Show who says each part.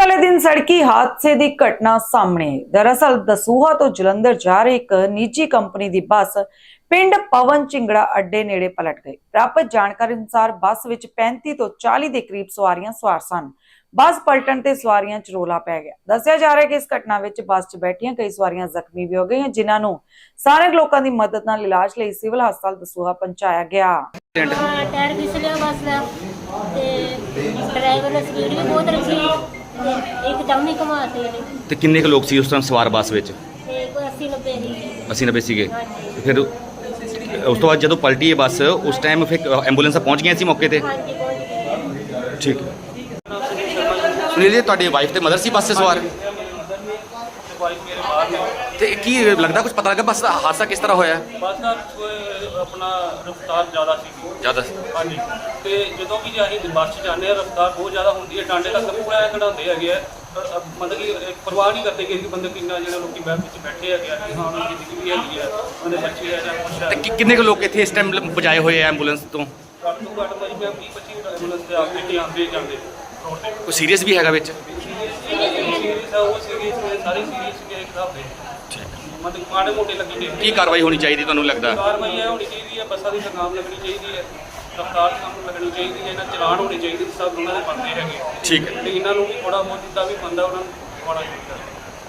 Speaker 1: वाले दिन सड़की हादसे की घटना सामने आई। दरअसल दसूहा तो जलंधर जा रही एक निजी कंपनी की बस पिंड पवन झिंगड़ा अड्डे नेड़े पलट गई। प्राप्त जानकारी अनुसार बस विच 35 तो 40 के करीब सवारियां सवार सन। बस पलटन ते सवारियां च रौला पै गया। दस्सिया जा रहा है कि इस घटना विच बस च बैठियां कई सवारियां जख्मी भी हो गई, जिन्हां नूं स्थानक लोकां दी मदद नाल इलाज लई सिविल हस्पताल दसूहा पहुंचाया गया।
Speaker 2: टायर फिसलिया बस का ड्राइवर ने स्पीड भी बहुत रखी, एकदम ही घुमाते
Speaker 3: ਤੇ ਕਿੰਨੇ ਕੁ ਲੋਕ ਸੀ ਉਸ ਟਾਈਮ ਸਵਾਰ ਬੱਸ ਵਿੱਚ?
Speaker 2: कोई 80-90 ही
Speaker 3: 80-90 ਸੀਗੇ।
Speaker 2: हाँ जी
Speaker 3: ਫਿਰ ਉਸ ਤੋਂ ਬਾਅਦ ਜਦੋਂ ਪਲਟੀ ਇਹ ਬੱਸ ਉਸ ਟਾਈਮ ਫਿਰ ਐਂਬੂਲੈਂਸਾਂ ਪਹੁੰਚ ਗਈਆਂ ਸੀ ਮੌਕੇ ਤੇ?
Speaker 2: हाँ जी पहुंच गए।
Speaker 3: ਠੀਕ ਹੈ। ਸੁਨੀਲ ਜੀ, ਤੁਹਾਡੀ ਵਾਈਫ ਤੇ ਮਦਰ ਸੀ ਬੱਸ 'ਤੇ ਸਵਾਰ? ਤੇ ਕੀ ਲੱਗਦਾ ਕੁਝ ਪਤਾ ਲੱਗਾ ਬੱਸ ਦਾ ਹਾਦਸਾ ਕਿਸ ਤਰ੍ਹਾਂ ਹੋਇਆ?
Speaker 4: ਬੱਸ ਦਾ ਆਪਣਾ ਰਫ਼ਤਾਰ ਜ਼ਿਆਦਾ ਸੀ।
Speaker 3: ਜ਼ਿਆਦਾ
Speaker 4: ਹਾਂਜੀ, ਤੇ ਜਦੋਂ ਵੀ ਅਸੀਂ ਬੱਸ 'ਚ ਜਾਂਦੇ ਹਾਂ ਰਫ਼ਤਾਰ ਬਹੁਤ ਜ਼ਿਆਦਾ ਹੁੰਦੀ ਹੈ, ਟਾਂਡੇ ਤੱਕ ਪੂਰਾ ਕਢਾਉਂਦੇ ਹੈਗੇ ਆ। ਮਤਲਬ ਕਿ ਪਰਵਾਹ ਨਹੀਂ ਕਰਦੇ ਕਿ ਬੰਦੇ ਕਿੰਨਾ ਜਿਹੜੇ ਲੋਕੀ ਬੈਠ ਵਿੱਚ ਬੈਠੇ ਹੈਗੇ ਆ ਕਿ ਹਾਂ ਉਹਨਾਂ ਦੀ ਜ਼ਿੰਦਗੀ ਵੀ ਹੈਗੀ ਆ, ਉਹਦੇ ਬੱਚੇ ਆ ਜਾਂ ਕੁਛ ਆ।
Speaker 3: ਤੇ ਕਿੰਨੇ ਕੁ ਲੋਕ ਇੱਥੇ ਇਸ ਟਾਈਮ ਪਹੁੰਚਾਏ ਹੋਏ ਆ ਐਂਬੂਲੈਂਸ ਤੋਂ?
Speaker 4: ਘੱਟ ਤੋਂ ਘੱਟ ਭਾਜੀ ਮੈਂ 20-25 ਐਂਬੂਲੈਂਸ ਤੇ ਆ ਕੇ ਆਉਂਦੇ ਜਾਂਦੇ ਰੋਡ ਤੇ।
Speaker 3: ਕੋਈ ਸੀਰੀਅਸ ਵੀ ਹੈਗਾ ਵਿੱਚ?
Speaker 4: ਸੀਰੀਅਸ ਆ, ਉਹ ਸੀਰੀਅਸ ਨੇ, ਸਾਰੇ ਸੀਰੀਅਸ ਨੇ ਇੱਕ ਹਿਸਾਬ ਦੇ। ਮਤਲਬ ਮਾੜੇ ਮੋਟੇ ਲੱਗੀ ਨੇ।
Speaker 3: ਕੀ ਕਾਰਵਾਈ ਹੋਣੀ ਚਾਹੀਦੀ ਤੁਹਾਨੂੰ ਲੱਗਦਾ?
Speaker 4: ਕਾਰਵਾਈ ਇਹ ਹੋਣੀ ਚਾਹੀਦੀ ਹੈ, ਬੱਸਾਂ ਦੀ ਲਗਾਮ ਲੱਗਣੀ ਚਾਹੀਦੀ ਹੈ, ਰਫ਼ਤਾਰ ਦੀ ਕੰਮ ਲੱਗਣੀ ਚਾਹੀਦੀ ਹੈ, ਇਹਨਾਂ ਚਲਾਨ ਹੋਣੇ ਚਾਹੀਦੇ, ਸਭ ਉਹਨਾਂ ਦੇ ਬਣਦੇ ਹੈਗੇ।
Speaker 3: ਠੀਕ ਹੈ।
Speaker 4: ਤੇ ਇਹਨਾਂ ਨੂੰ ਵੀ ਥੋੜਾ ਬਹੁਤ ਜਿੱਦਾਂ ਵੀ ਬੰਦਾ ਉਹਨਾਂ ਨੂੰ ਖਵਾਉਣਾ ਚਾਹੀਦਾ।